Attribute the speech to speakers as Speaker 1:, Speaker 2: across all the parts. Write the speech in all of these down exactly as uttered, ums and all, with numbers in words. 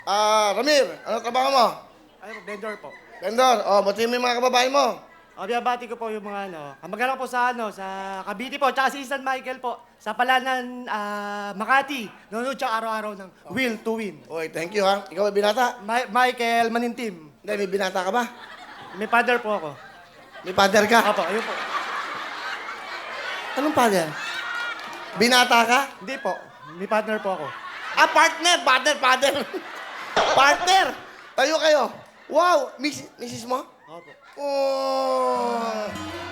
Speaker 1: Ah, Ramir, ano trabaho mo?
Speaker 2: Ay, po, vendor po.
Speaker 1: Vendor, oh, batiin mo yung mga kababae mo.
Speaker 2: O, binabati ko po yung mga ano, kamag-anak po sa ano, sa Cavite po, tsaka si San Michael po, sa Palanan, ah, Makati. Nanonood siya araw-araw ng Will to Win.
Speaker 1: Okay, thank you ha. Ikaw ay binata?
Speaker 2: Ma- Michael Manintim.
Speaker 1: Hindi, may binata ka ba?
Speaker 2: May father po ako.
Speaker 1: May father ka?
Speaker 2: Opo, ayun po.
Speaker 1: Anong father? Binata ka?
Speaker 2: Hindi po, may partner po ako.
Speaker 1: Ah, partner, partner, partner. Partner! Tayo kayo. Wow, miss, missis mo?
Speaker 2: Opo.
Speaker 1: Oh!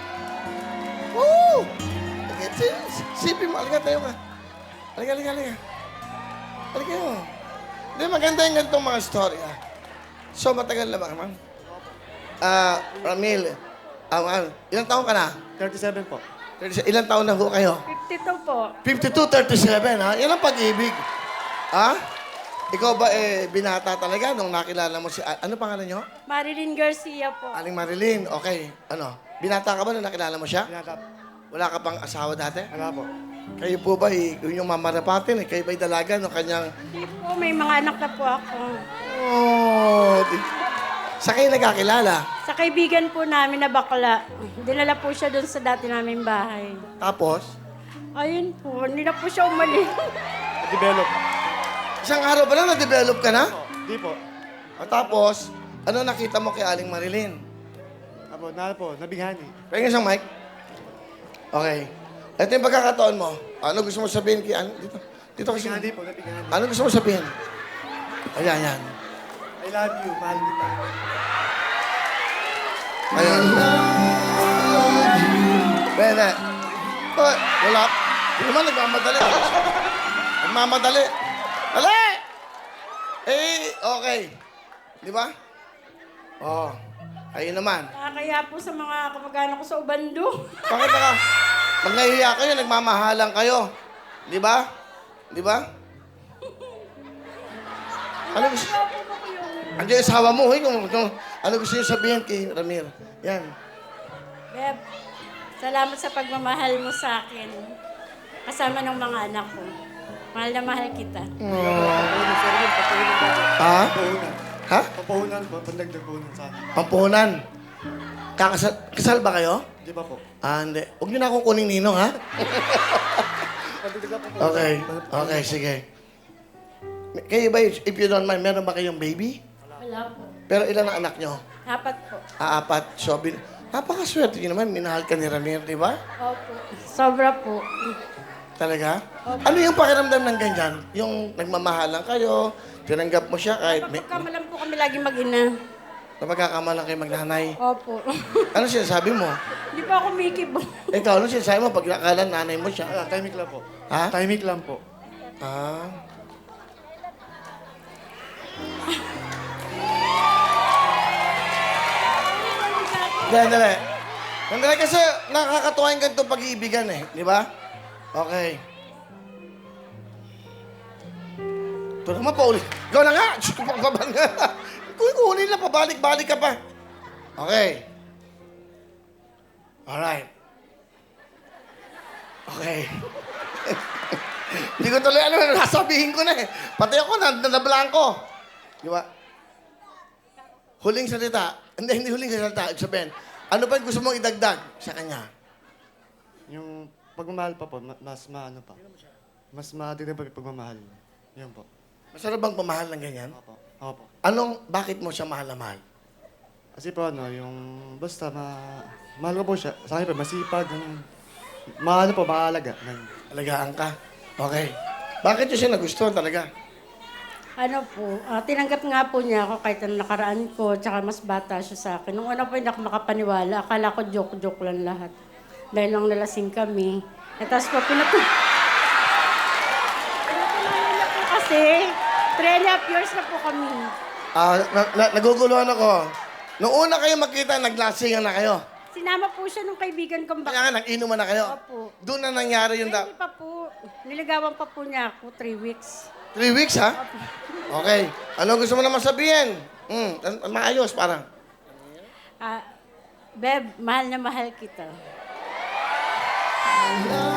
Speaker 1: Woo! Okay, si- sipin mo. Halika, tayo ka. Halika, halika, halika. Halika mo. Hindi, maganda yung ganitong mga story, ah. So, matagal na ba, ma'am? Ah, Ramil, ah, ma'am, ilang taon ka na?
Speaker 2: thirty-seven po.
Speaker 1: Ilang taon na ho kayo?
Speaker 3: fifty-two po.
Speaker 1: fifty-two, thirty-seven, ha? Yan ang pag-ibig. Ha? Ikaw ba, eh, binata talaga nung nakilala mo si... a- Ano pangalan niyo?
Speaker 3: Marilyn Garcia po.
Speaker 1: Aling Marilyn. Okay. Ano? Binata ka ba nung nakilala mo siya?
Speaker 2: Binata po.
Speaker 1: Wala ka pang asawa dati?
Speaker 2: Wala po.
Speaker 1: Kayo po ba, eh, yun yung mamarapatin, eh? Kayo ba'y dalaga ng kanyang...
Speaker 3: Hindi po, may mga anak na po ako.
Speaker 1: Oh! di- Sa kayo nagkakilala.
Speaker 3: Sa kaibigan po namin na bakla, dinala po siya doon sa dati naming bahay.
Speaker 1: Tapos,
Speaker 3: Ayun po, hindi na po siya umalis.
Speaker 2: Develop.
Speaker 1: isang araw ba lang na-develop ka na?
Speaker 2: Hindi po.
Speaker 1: At tapos, ano nakita mo kay Aling Marilyn?
Speaker 2: Apo, na po, nabighani.
Speaker 1: Pahingin isang mic. Okay. Ito yung pagkakataon mo. Ano gusto mo sabihin kay... Ano? Dito. Dito kasi.
Speaker 2: Nabighani po, nabighani.
Speaker 1: Ano gusto mo sabihin? Ayan, ayan.
Speaker 2: I love you, mahal kita.
Speaker 1: Ayan. Pwede. Oh, wala. Hindi naman nagmamadali. Nagmamadali. Dali! Eh, okay. Di ba? Oh. Kayo naman.
Speaker 3: Nakakaya po sa mga kamag-anak ko sa Ubando.
Speaker 1: Bakit naka... Pag nahihiya kayo, nagmamahalan kayo. Di ba? Di ba? Ano gusto... Andiyan yung asawa mo, eh, kung, kung, ano gusto niyo sabihin kay Ramir? Yan.
Speaker 3: Beb, salamat sa pagmamahal mo sa akin. Kasama ng mga anak ko. Mahal na mahal kita.
Speaker 2: Papuhunan, sir, yun, papuhunan po.
Speaker 1: Ha?
Speaker 2: Papuhunan.
Speaker 1: Ha?
Speaker 2: Papuhunan po, pandagdag puhunan sa akin.
Speaker 1: Pampuhunan. Kakasal kasal ba kayo?
Speaker 2: Di ba po?
Speaker 1: Ah, hindi. Huwag niyo na akong kuning ninong, ha?
Speaker 2: Pandagdag po po.
Speaker 1: Okay. Okay, sige. Kayo ba, if you don't mind, meron ba kayong baby?
Speaker 3: Wala po.
Speaker 1: Pero ilan ang anak niyo?
Speaker 3: Apat po.
Speaker 1: Ah, apat. So, bin... napakaswerte niyo naman. Minahal ka ni Ramir, di ba?
Speaker 3: Opo. Sobra po.
Speaker 1: Talaga? Ano yung pakiramdam ng ganyan? Yung nagmamahalan kayo, tinanggap mo siya kahit may...
Speaker 3: Pagkamalan po kami lagi mag-ina.
Speaker 1: na magkakamalan kayo magnanay.
Speaker 3: Opo.
Speaker 1: Ano sinasabi mo?
Speaker 3: Hindi pa ako mikibo.
Speaker 1: Ikaw, ano sinasabi mo pag nakala nanay mo siya?
Speaker 2: Ah, timing lang po.
Speaker 1: Ha?
Speaker 2: Timing lang po.
Speaker 1: Ah. Dali, dali. Dali kasi nakakatuwa yung ganitong pag-iibigan eh. Di ba? Okay. Ito naman pa ulit. Ikaw na nga! Diyos ko, pagbaban nga. Kung kunin lang, pabalik-balik ka pa. Okay. Alright. Okay. Hindi ko tuloy alam ano nasabihin ko na eh. Pati ako, na, nablanko. Di ba? Huling salita. Hindi, hindi huling salita. Ibig sabihin, ano pa yung gusto mong idagdag sa kanya?
Speaker 2: Yung pagmamahal pa po, ma- mas maano pa. Mas matignan pa yung pagmamahal. Yun po.
Speaker 1: Masarap bang pamahal ng ganyan?
Speaker 2: Opo. Opo.
Speaker 1: Anong, bakit mo siya mahal na mahal?
Speaker 2: Kasi po ano, yung basta ma... Mahal ko po siya. Sa akin po, masipag. Ganun. Maano po, maalaga. Ganun.
Speaker 1: Alagaan ka. Okay. Bakit niyo siya nagustuhan talaga?
Speaker 3: Ano po, ah, tinanggap nga po niya ako kahit ang nakaraan ko, tsaka mas bata siya sa akin. Nung una po hindi ako makapaniwala, akala ko joke-joke lang lahat. Dahil lang nalasing kami. E tapos po, pinatu... pinatuloy niya po kasi, three and a half years na po kami.
Speaker 1: Ah, na- na- naguguluhan ako. Noong una kayo magkita, naglasingan na kayo.
Speaker 3: Sinama po siya nung kaibigan kong bak...
Speaker 1: Kaya nga, nag-inuman na kayo.
Speaker 3: Opo.
Speaker 1: Doon na nangyari yung...
Speaker 3: Hindi
Speaker 1: Da-
Speaker 3: pa po. Niligawan pa po niya ako, three weeks.
Speaker 1: Three weeks, ha? Okay. Ano gusto mo naman sabihin? Hmm, an- maayos, parang.
Speaker 3: Ah, Beb, mahal na mahal kita.
Speaker 1: I